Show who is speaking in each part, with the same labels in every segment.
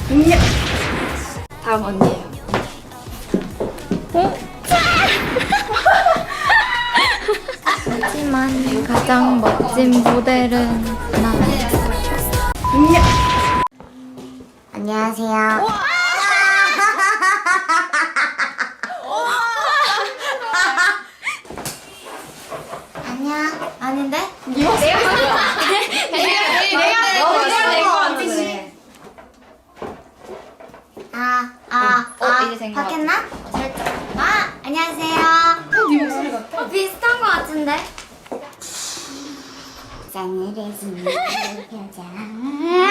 Speaker 1: 다음 언니예요.
Speaker 2: 하지만 가장 멋진 모델은 나. 안녕하세요. 안녕. 아닌데? 내가
Speaker 1: 이제 된 거
Speaker 2: 바뀌었나? 살짝. 안녕하세요.
Speaker 1: 네 목소리 같아.
Speaker 2: 비슷한 거 같은데? 싸늘해지는 표정.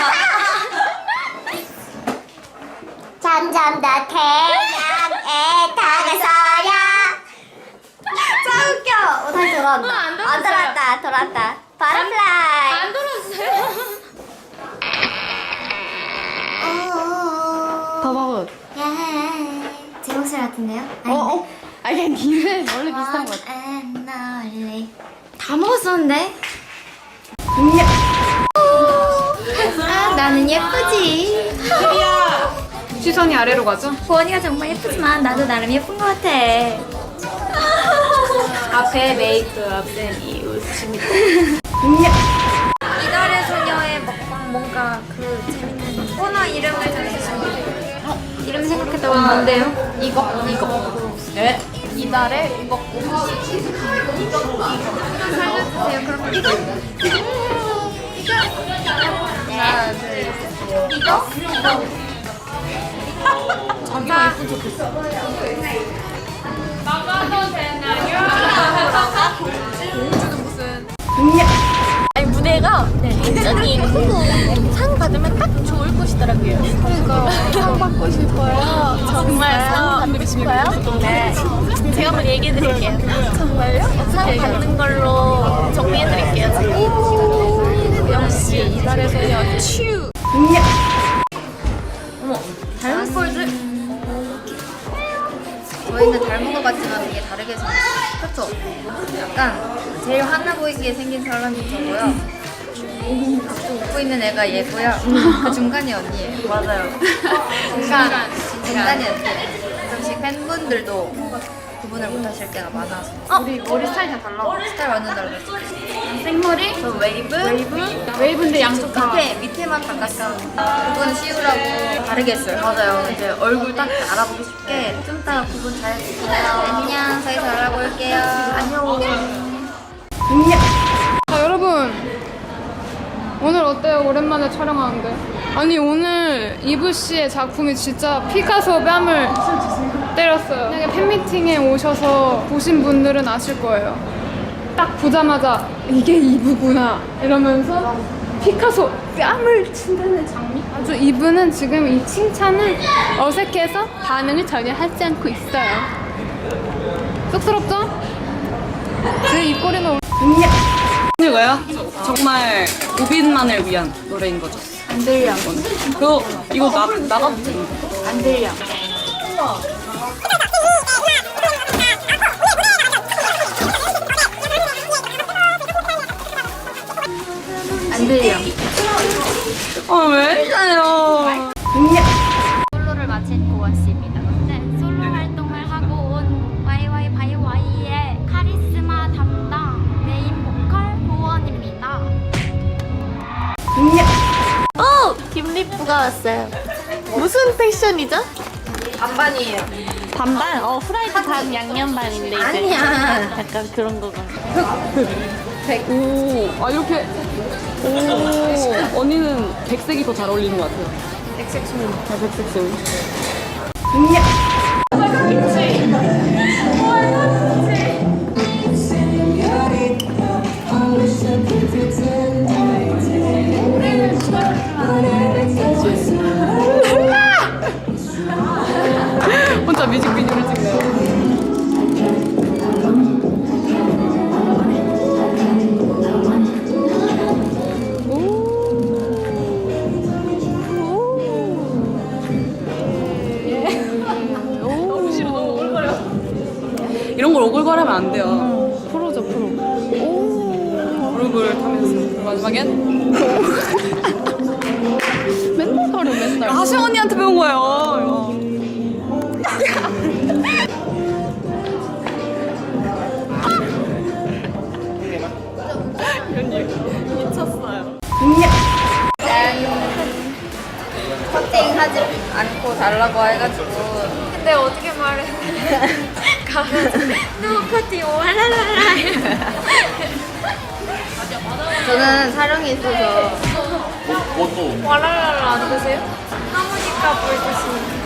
Speaker 2: 점점 더 태양에 다가서야. 짜 웃겨. 다시 돌아온다. 안 돌아왔다. 돌아왔다. 버터플라이.
Speaker 1: 안 돌았어요. 더 먹어.
Speaker 2: 제 목소리 같은데요?
Speaker 1: 아니 니는 원래 비슷한 거 같아.
Speaker 2: 다 먹었었는데? 나는 예쁘지.
Speaker 1: 시선이 아래로 가죠?
Speaker 2: 보원이가 정말 예쁘지만 나도 나름 예쁜 것 같아.
Speaker 1: 앞에 메이크업 된 이유 재밌다.
Speaker 2: 이달의 소녀의 먹방 뭔가 그 재밌는 코너 이름을 정해주시면 이름 생각했다고 뭔데요?
Speaker 1: 이거. 네. 이달에 이거.
Speaker 2: 살려주세요. 그럼 이거?
Speaker 1: 하나, 둘, 셋.
Speaker 2: 이거?
Speaker 1: 자기가 예쁜 척 했어.
Speaker 3: 아니 무대가 굉장히 크고 상 받으면 딱 좋을 곳이더라고요. 그러니까 상 받고 싶어요. 정말 상 받고 싶어요? 네. 제가 한번 얘기해 드릴게요. 정말요? 상 받는 걸로 정리해 드릴게요. 역시 이달의 소녀 츄.
Speaker 2: 어머, 닮은 꼴들? 저희는 닮은 것 같지만 이게 다르게 생겼어요. 그쵸? 약간 제일 화나 보이게 생긴 사람이 저고요. 또 웃고 있는 애가 얘고요. 그 중간이 언니예요.
Speaker 1: 맞아요.
Speaker 2: 중간이 언니예요. 가끔씩 팬분들도 구분을 못하실 때가 많아서.
Speaker 1: 우리 머리 스타일 다 달라.
Speaker 2: 스타일 완전 다르죠?
Speaker 1: 생머리?
Speaker 2: 저 웨이브?
Speaker 1: 웨이브인데 양쪽 다.
Speaker 2: 밑에만 바깥감. 구분 씌우라고 다르게 했어요. 맞아요. 이제 얼굴 딱 알아보기 쉽게 좀 이따 구분 잘 해주세요. 안녕. 저희 잘 알아볼게요. 안녕.
Speaker 4: 자, 여러분 오늘 어때요? 오랜만에 촬영하는데. 아니 오늘 이브 씨의 작품이 진짜 피카소 뺨을 때렸어요. 만약에 팬미팅에 오셔서 보신 분들은 아실 거예요. 딱 보자마자 이게 이브구나 이러면서 피카소 뺨을 친다는 장면. 아주 이브는 지금 이 칭찬을 어색해서 반응을 전혀 하지 않고 있어요. 쑥스럽죠? 제 입꼬리는
Speaker 5: 이거요? 정말 우빈만을 위한 노래인 거죠.
Speaker 2: 안 들려.
Speaker 5: 그거 이거 나가도 되는 거?
Speaker 2: 안 들려. 안 들려.
Speaker 5: 왜 이러요?
Speaker 2: 솔로를 마치고 왔습니다. 네, 솔로 활동을 하고 온 YY 바이와이의 카리스마 담당 메인 보컬 보원입니다.
Speaker 3: 김리프가 왔어요. 무슨 패션이죠?
Speaker 1: 반반이에요.
Speaker 3: 반반? 후라이드 반 양념 반인데 이제
Speaker 2: 아니야.
Speaker 3: 약간 그런 거가.
Speaker 5: 오, 이렇게. 오, 언니는 백색이 더 잘 어울리는 것 같아요. 백색 소음. 백색 소음. 혼자 뮤직비디오를 찍네요. 이런 걸 오글거리면 안 돼요.
Speaker 4: 프로죠, 프로.
Speaker 5: 얼굴 타면서 마지막엔
Speaker 4: 맨날
Speaker 5: 춤머리 맨날. 하시 언니한테 배운 거예요. 미쳤어요.
Speaker 2: 커팅하지 않고 달라고 해가지고
Speaker 3: 근데 어떻게 말해? 가면 노커티 와라라라.
Speaker 2: 저는 사령이 있어서
Speaker 3: 와라라라 안 드세요? 하모니카 불듯이.